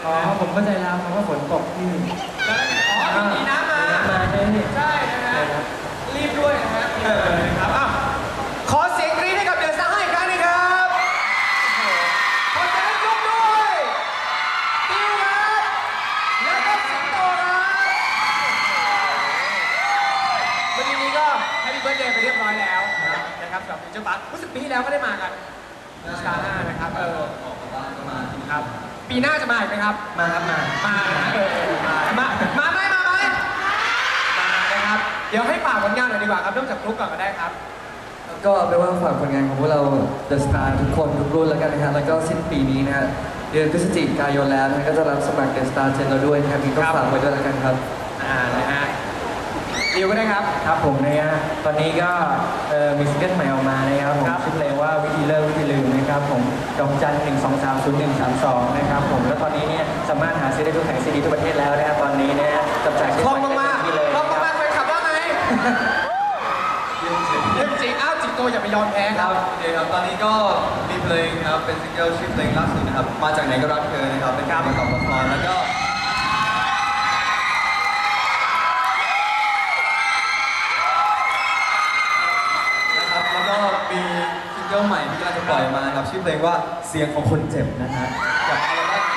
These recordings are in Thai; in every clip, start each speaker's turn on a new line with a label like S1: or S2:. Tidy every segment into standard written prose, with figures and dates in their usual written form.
S1: อ๋อผมเข้าใจแล้วเพราะว่าฝนตกที่
S2: อ๋อมีน้ำมา
S1: ใช่ไหม
S2: ใช่นะฮะรีบด้วยนะฮะครับอ้าวขอเสียงกรี๊ดให้กับเดอะสตาร์ให้อีกครั้งหนึงครับขอเสียงให้ยกด้วยดิวครับแล้วก็สิงโตครับเมื่อกี้นี้ก็แฮปปี้เบิร์ธเดย์ไปเรียบร้อยแล้วนะครับสำหรับฟิวเจอร์พาร์ครู้สึกปีที่แล้วก็ได้มากันสตาร์5นะครับครับปีหน้าจะมาอีกไหมครับ
S1: มาครับมา
S2: ไหมนะครับเดี๋ยวให้ฝากผลงานหน่อยดีกว่าครับเริ่มจากฟลุ๊กก่อนก็ได้ครับ
S1: ก็เอาเป็นว่าฝากผลงานของพวกเรา The Star ทุกคนทุกรุ่นแล้วกันนะครับแล้วก็สิ้นปีนี้นะฮะเดือนพฤศจิกายนแล้วนะก็จะรับสมัคร The Star เจนเราด้วยนะครับมีก็ฝากไว้ด้วยแล้วกันครับ
S2: นะฮะดิวก็ได้ครับ
S1: ครับผมนะฮะตอนนี้ก็มีซิงเกิลใหม่ออกมานะครับผมชื่อเพลงว่าวิธีเลิกวิธีลืมนะครับผมดอกจัน1230132นะครับผมแล้วตอนนี้เนี่ยสามารถหาซื้อได้ทุกแผงซีดีทั่วประเทศแล้วนะครับตอนนี้นะฮะจับจ่ายใช้สอยได้ที่เลย
S2: คล่องมากๆไปขับได้ไหมเรื่องจริงอ้าวจิตโตอย่าไปยอมแพ้ครับ
S3: โอเคครับตอนนี้ก็มีเพลงครับเป็นซิงเกิลชื่อเพลงล่าสุดนะครับมาจากไหนก็รักเธอนะครับเป็นการประกอบละครแล้วก็มีซิงเกิลใหม่ที่กำลังจะปล่อยมาครับชื่อเพลงว่าเสียงของคนเจ็บนะฮะกับอัลบั้ม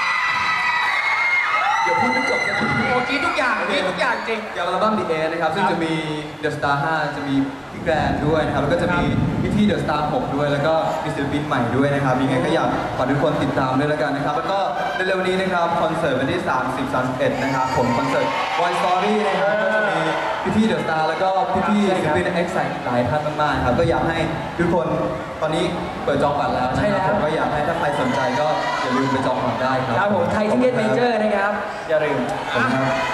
S3: เดี๋ยวพูดไม่จบจะพูด
S2: โอ้กี้ทุกอย่างจริง
S3: กับอัลบั้ม The End นะครับซึ่งจะมี The Star 5 จะมีพี่แกรนด้วยนะครับแล้วก็จะมีพี่ The Star 6 ด้วยแล้วก็มีศิลปินใหม่ด้วยนะครับยังไงก็อยากฝากทุกคนติดตามด้วยแล้วกันนะครับแล้วก็เร็วๆนี้นะครับคอนเสิร์ตวันที่30-31นะครับผมคอนเสิร์ต Boy Story นะครับก็จะมีพี่ The Star แล้วก็พี่ศิลปิน X-Sight หลายท่านมากๆครับก็อยากให้ทุกคนตอนนี้เปิดจองบัตรแล้วนะครับผมก็อยากให้ถ้าใครสนใจก็อย่าลืมไปจองบัตรได้ครับ
S1: ครับผมไทยทิเก็ตเมเจอร์นะครับอย่าลืม